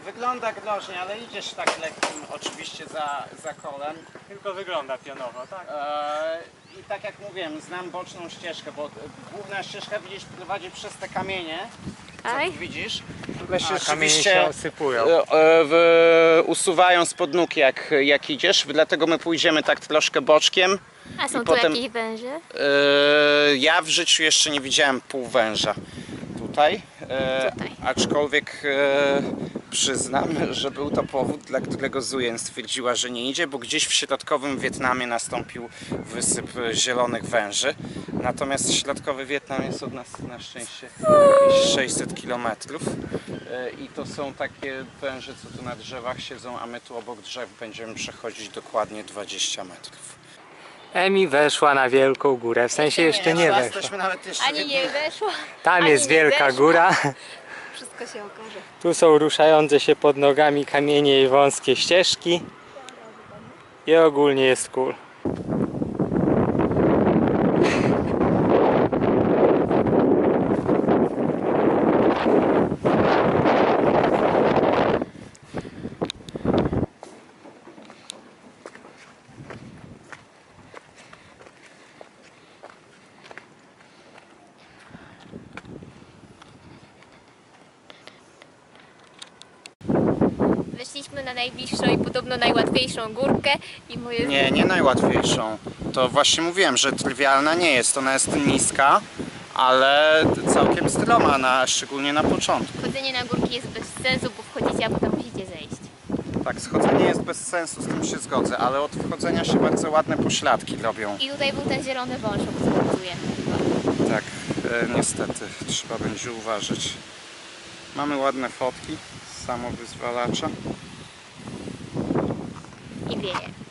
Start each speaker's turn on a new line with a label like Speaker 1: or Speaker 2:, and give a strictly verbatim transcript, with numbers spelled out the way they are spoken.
Speaker 1: wygląda groźnie, ale idziesz tak lekkim oczywiście za, za kolem.
Speaker 2: Tylko wygląda pionowo, tak?
Speaker 1: Eee, I tak jak mówiłem, znam boczną ścieżkę, bo główna ścieżka widzisz prowadzi przez te kamienie. Co
Speaker 3: Aj.
Speaker 1: tu widzisz? One się
Speaker 2: A, kamienie
Speaker 1: rzeczywiście
Speaker 2: się osypują.
Speaker 1: e, e, w, usuwają spod nóg jak, jak idziesz, dlatego my pójdziemy tak troszkę boczkiem.
Speaker 3: A są
Speaker 1: I
Speaker 3: tu
Speaker 1: potem-
Speaker 3: jakieś węże?
Speaker 1: E, ja w życiu jeszcze nie widziałem półwęża tutaj, e,
Speaker 3: Tutaj.
Speaker 1: aczkolwiek e, przyznam, że był to powód, dla którego Zuyen stwierdziła, że nie idzie, bo gdzieś w środkowym Wietnamie nastąpił wysyp zielonych węży. Natomiast środkowy Wietnam jest od nas na szczęście jakieś sześćset kilometrów e, i to są takie węże, co tu na drzewach siedzą, a my tu obok drzew będziemy przechodzić dokładnie dwadzieścia metrów.
Speaker 2: Emi weszła na wielką górę, w sensie jeszcze nie weszła.
Speaker 1: Jesteśmy nawet jeszcze w
Speaker 3: Ani
Speaker 1: jednym-
Speaker 3: nie weszła.
Speaker 2: Tam
Speaker 3: ani
Speaker 2: jest
Speaker 3: nie
Speaker 2: wielka
Speaker 3: weszła.
Speaker 2: góra.
Speaker 3: Wszystko się okaże.
Speaker 2: Tu są ruszające się pod nogami kamienie i wąskie ścieżki. I ogólnie jest cool.
Speaker 3: Weszliśmy na najbliższą i podobno najłatwiejszą górkę i moje...
Speaker 1: Nie, nie najłatwiejszą. To właśnie mówiłem, że trywialna nie jest. Ona jest niska, ale całkiem stroma, na, szczególnie na początku.
Speaker 3: Chodzenie na górki jest bez sensu, bo wchodzicie, a potem musicie zejść.
Speaker 1: Tak, schodzenie jest bez sensu, z tym się zgodzę, ale od wchodzenia się bardzo ładne pośladki robią.
Speaker 3: I tutaj był ten zielony wąż, o którym mówiłem chyba.
Speaker 1: Tak, e, niestety, trzeba będzie uważać. Mamy ładne fotki z samowyzwalacza.
Speaker 3: I wieje.